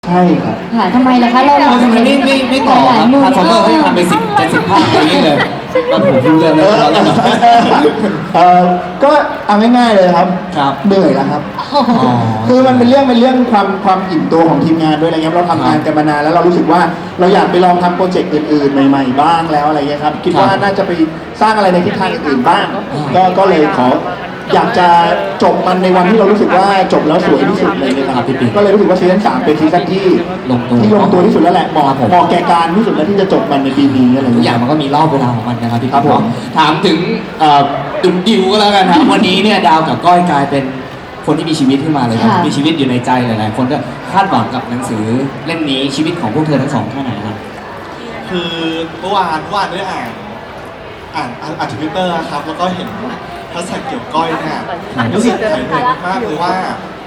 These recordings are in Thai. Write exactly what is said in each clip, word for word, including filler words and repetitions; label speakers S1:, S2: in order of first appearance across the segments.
S1: ใช่ครับ
S2: ค่ะทำไมล่ะคะเรา
S3: เราทำไมไม่ไม่ไม่ต่อครับทาร์ฟอร์เมอร์ให้ทำไปสิบเจ็ดสิบภาคอย่างนี้เลยตอนผมดูเรื่องแล้วเราเล่น
S1: เออก็เอาง่ายๆเลยครับ
S3: ครับ
S1: เหนื่อยแล้วครับคือมันเป็นเรื่องเป็นเรื่องความความอิ่มตัวของทีมงานด้วยอะไรเงี้ยเราทำงานกันมานานแล้วเรารู้สึกว่าเราอยากไปลองทำโปรเจกต์อื่นๆใหม่ๆบ้างแล้วอะไรเงี้ยครับคิดว่าน่าจะไปสร้างอะไรในทิศทางอื่นๆบ้างก็ก็เลยขออยากจะจบมันในวันที่เรารู้สึกว่าจบแล้วสวยที่สุดเลยนะครับก็เลยรู้สึกว่าซีซั่นสามเป็นซีซั่นที่
S3: ลงตัว
S1: ที่ลงตัวที่สุดแล้วแหละเหมาะเหมาะแก่การที่สุดแล้วที่จะจบมันในปีนี้อะไร
S3: ทุกอ
S1: เงี้
S3: ย่าย งมันก็มีรอบเวลาของมันนะครับพี่
S1: ครับผม
S3: ถามถึงดุนดิวก็แล้วกันครับวันนี้เนี่ยดาวกับก้อยกลายเป็นคนที่มีชีวิตขึ้นมาเลยครับมีชีวิตอยู่ในใจหลายๆคนก็คาดหวังกับหนังสือเล่มนี้ชีวิตของพวกเธอทั้งสองแค่ไหนครับ
S4: คือเมื่อวานเมื่อวานได้อ่านอ่านอ่านทวิตเตอร์ครับแล้วก็เห็นแฮชแท็กเกี่ยวก้อยเนี่ยรู้สึกหายเหนื่อยมากๆเลยว่า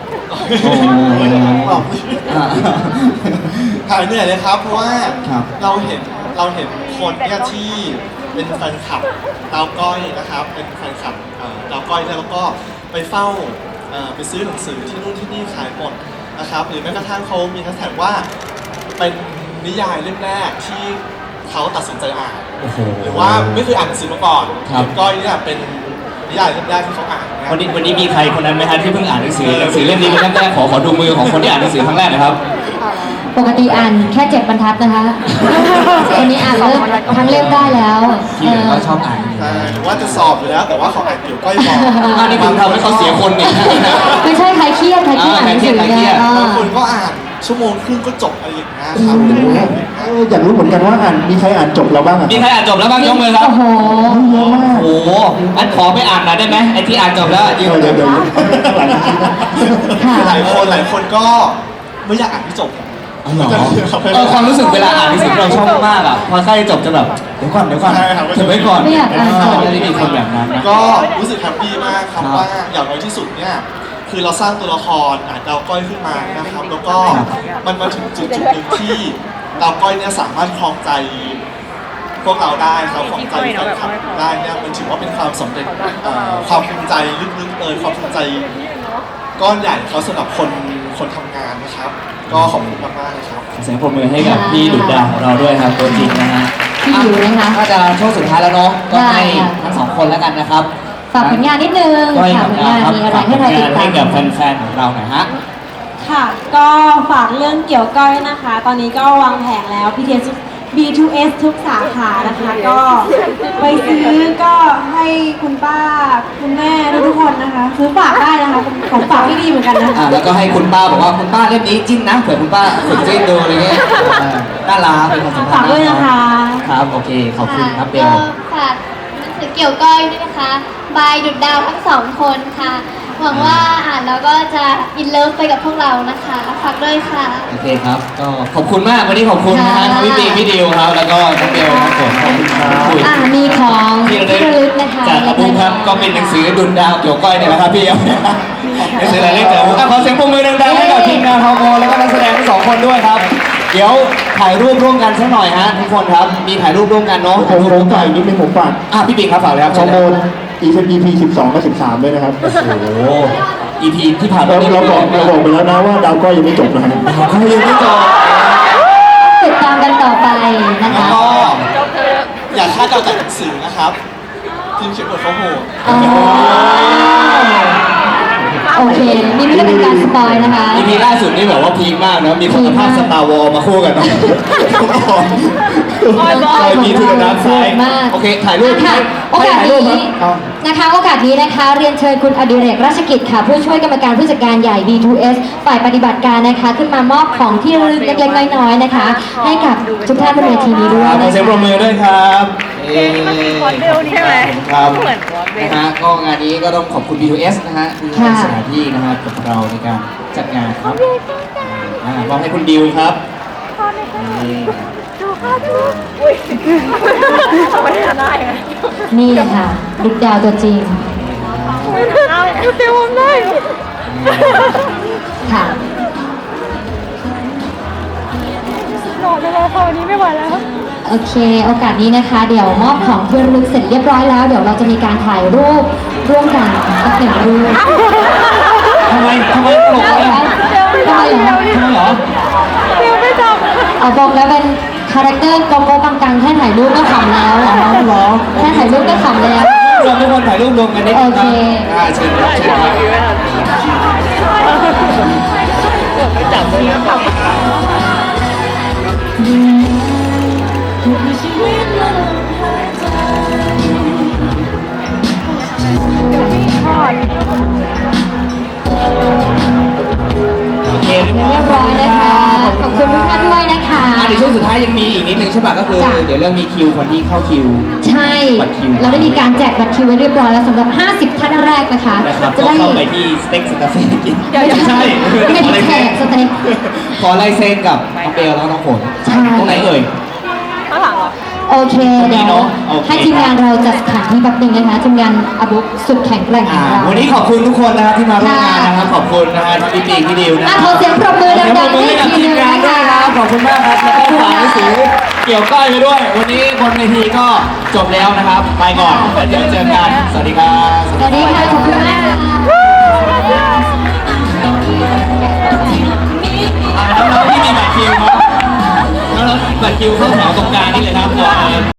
S4: หายเหนื่อยเลยครับเพราะว่าเราเห็นเราเห็นคนเนี่ยที่เป็นแฟนคลับดาวก้อยนะครับเป็นแฟนคลับดาวก้อยแล้วก็ไปเฝ้าไปซื้อหนังสือที่นู่นที่นี่ขายหมดนะครับหรือแม้กระทั่งเขามีแฮชแท็กว่าเป็นนิยายเล่มแรกที่เขาตัดสินใจอ่านหรือว่าไม่เคยอ่านหนังสือมาก่อนก้อยเนี่ยเป็นนิยายเล่มแรกที่เขาอ่าน
S3: วันนี้วันนี้มีใครคนนั้นไหมครับที่เพิ่งอ่านหนังสือหนังสือเล่มนี้เป็นเล่มแรกขอขอดูมือของคนที่อ่านหนังสือครั้งแรกนะครับ
S2: ปกติอ่านแค่เจ็ดบรรทัดนะคะวันนี้อ่านเริ่มทั้งเล่มได้แล้ว
S3: ที่เหลือก็ชอบอ่าน
S4: ว่าจะสอบอยู่แล้วแต่ว่าเขาอ่านเกี่ยวก้อยบอก
S3: อันนี้ผมทำให้เขาเสียคนนี่
S2: ไม่ใช่ใครเครียดใครเครียดอ่านหนังสือเนี่ย
S4: บางคนก็อ่านชั่วโมงครึ่งก็จบอะไรอย่างเงี้ยครับ
S1: อยากรู้เหมือนกันว่าอ่านมีใครอ่านจบแล้วบ้างอ่ะ
S3: มีใครอ่านจบแล้วบ้างยกมือครับ
S2: โอ้โห
S1: เยอะมาก
S3: โอ้โหอันขอไปอ่านหน่อยได้ไหมไอ้ที่อ่านจบแล้วยืน
S1: เดี๋ยวเดี๋ยว
S4: หลายคนหลายคนก็ไม่อยากอ่านที่จบ
S3: เออความรู้สึกเวลาอ่านหนังสือเราชอบมากอ่ะพอใกล้จบจะแบบเดี๋ยวก่อนเดี๋ยวก่อนเก็บไว้ก่อน
S2: ไม่อยากอ่านจบ
S3: จะได้มีคนแบบนั้น
S4: ก็รู้สึกแฮปปี้มากครับว่าอย่างน้อยที่สุดเนี่ยคือเราสร้างตัวละครอ่านดาวก้อยขึ้นมานะครับแล้วก็มันมาถึงจุดจุดหนึ่งที่ดาวก้อยเนี่ยสามารถครองใจพวกเราได้ครับครองใจแฟนคลับได้เนี่ยมันถือว่าเป็นความสำเร็จความภูมิใจลึกๆเลยความภูมิใจก้อนใหญ่เขาสำหรับคนคนทำงานนะครับก็ขอบคุณมากๆเลยครับ
S3: เสียงปรบมือให้กับพี่ดุจดาวของเราด้วยครับตัวจริงนะฮะ
S2: พี่อยู่นะคะ
S3: ถ้าจะช่วงสุดท้ายแล้วเนาะก็ให้ทั้งสองคนแล้วกันนะครับ
S2: ฝากผลงานนิดนึงฝากผลงานมีอะไรให้เราติดตาม
S3: ให้กับแฟนๆของเราหน่อยฮะ
S5: ค่ะก็ฝากเรื่องเกี่ยวก้อยนะคะตอนนี้ก็วางแผงแล้ว พี ที เอส บี ทู เอส ทุกสาขานะคะก็ไปซื้อก็ให้คุณป้าคุณแม่ทุกคนนะคะซื้อฝากได้นะคะของฝากที่ดีเหมือนกันนะ
S3: แล้วก็ให้คุณป้าบอกว่าคุณป้าเล่มนี้จิ้นนะเผื่อคุณป้าฝึกจิ้นดูอะไรเงี้ยน่ารักเป็นความสัมพันธ์
S5: ฝากด้วยนะคะ
S3: ครับโอเคขอบคุณครับเบล
S6: ฝากหนังสือเกี่ยวก้อยด้วยนะคะบายดุจดาวทั้งสองคนค่ะหวังว่าอ่านแล้วก็จะอินเลิฟไปกับพวกเรานะคะฝากด้วยค่ะ
S3: โอเคครับก็ขอบคุณมากวันนี้ขอบคุณนะฮะพี่ปีพี่ดิวครับแล้วก็น้องเบลครับผมขอบคุณครับ
S2: อ่ามีของที่ระลึกนะคะ
S3: จากขอบคุณครับก็เป็นหนังสือดุจดาวเกี่ยวก้อยเนี่ยนะครับพี่เอาหนังสืออะไรเล็กเจ๋อขอเสียงปรบมือดังๆให้กับทีมงานทอมแล้วก็นักแสดงทั้งสองคนด้วยครับเดี๋ยวถ่ายรูปร่วมกันสักหน่อยฮะทุกคนครับมีถ่ายรูปร่วมกันเนาะ
S1: ผมผมถ่ายนิดนึงผมฝาก
S3: อ่ะพี่ปิ๊กครับฝากเลยครับ
S1: ฮอร์โมน อี พี สิบสองกับสิบสามด้วยนะครับโอ้
S3: โห อี พี ที่ผ่าน
S1: มาเราบอกเราบอกไปแล้วนะว่าดาวก้อยยังไม่จบนะ
S3: ดาวก้อยยังไม่จบ
S2: ติดตามกันต่อไปนะคะ
S4: ก็อยากคาดเดาจากหนังสือนะครับทีมเขียนบทเขาโหด
S2: โอเคนี่ไม่ได้เป็นการสปอยนะคะ
S3: อี พี ล่าสุดนี่แบบว่าพีคมากนะมีคุณภาพสตาร์วอลมาคู่กันเนาะเคยมีทุนน้ำไซด์โอเคถ่ายรูป
S2: ค่ะโอกาสนี้นะคะโอกาสนี้นะคะเรียนเชิญคุณอดิเรกราชกิจค่ะผู้ช่วยกรรมการผู้จัดการใหญ่ บี ทู เอส ฝ่ายปฏิบัติการนะคะขึ้นมามอบของที่ระลึกเล็กๆน้อยๆนะคะให้กับทุกท่านบนเวทีนี้ด้วย
S3: ขอเสียงปรบมือด้วยครับ
S5: เอ๊ะมันเป็นวอดเบลใช่ไหม
S3: ครับเหมือนวอดเบลนะฮะก็งานนี้ก็ต้องขอบคุณ บี ทู เอส นะฮะที่ให้สถานที่นะฮะกับเราในการจัดงานครับมอบให้คุณดิวครับ
S2: นี่ค่ะดุจดาวตัวจริง
S5: ดูเต็มได้
S2: ค่ะ
S5: หล่อเลยค่ะวันนี้ไม่ไหวแล้ว
S2: โอเคโอกาสนี้นะคะเดี๋ยวมอบของที่ระลึกเสร็จเรียบร้อยแล้วเดี๋ยวเราจะมีการถ่ายรูปร่วมกันสักหนึ่งรูป
S3: ทำไมทำไมตลกอะไร
S2: ทำไมเหรอ
S3: ทำไมเหรอ
S2: เอาบอกแล้วเป็นคาแรคเตอร์โกโก้ปังกังแค่ถ่ายรูปก็ขำแล้ว
S3: อ๋อเหรอ
S2: แค่ถ่ายรูปก็ขำแล้ว
S3: รวมทุกคนถ่ายรูปรวมกันนิดนึงครับ
S2: โอเค
S3: อ่าเชิญครับเชิญครับ โอเคเรียบ
S2: เรียบร้อยนะคะ ขอบคุณทุกท่านด้วยนะคะ
S3: อ่ะในช่วงสุดท้ายยังมีอีกนิดนึงใช่ป่ะก็คือ
S2: จ้ะ
S3: เดี๋ยวเรื่องมีคิวคนที่เข้าคิว
S2: ใช่
S3: บัตรคิว
S2: เราได้มีการแจกบัตรคิวไว้เรียบร้อยแล้วสำหรับ ห้าสิบ ท่านแรกนะคะ
S3: นะครับ
S2: จะ
S3: ก็
S2: ได้
S3: เข้าไปที่สเต็กสตาร์เฟ่กิน
S2: ไม่ใช่ไม่ได้แจกสเต็ก
S3: ขอลายเซ็นกับน้องเบลแล้วก็น้องฝน
S2: ใช่
S3: ตรงไหนเอ่ย
S2: โอเค
S3: ตรงนี้
S2: เดี๋ยว
S3: เนอะโอเค
S2: ให้ทีมงานเราจัดสถานที่แป๊บหนึงนะคะทีมงานอาบุ๊กสุดแข็งแกร่งข
S3: อ่า
S2: องเรา
S3: วันนี้ขอบคุณทุกคนนะครับที่มาร่วมงานนะครับ ขอบคุณนะฮะทั้งพี่ปีพี่ดิวนะค
S2: อ่ะ
S3: รับ
S2: ขอเสียงปรบมือ
S3: ขอเสียงปร
S2: ดั
S3: บ
S2: งๆ
S3: มือ
S2: ให้
S3: ให้กับ
S2: ที
S3: ที
S2: ม
S3: ม
S2: งาง
S3: าน น
S2: ด้
S3: ด้
S2: ว
S3: วย ย
S2: นะ
S3: ค
S2: คะ
S3: รับ ขอบคุณมากครับ แล้วก็ฝากหนังสือเกี่ยวก้อยไปด้วย วันนี้บนเวทีก็จบแล้วนะครับ ไปก่อนแล้วเดี๋ยวเจอกัน สวัสดีครับ
S2: สวัสดีค่ะขอบคุณมากค่ะ
S3: อ่าน้องๆที่มีบัตรคิวครับน้องๆบัตรคิวเข้าแถวตรงกลางนี่เลยครับ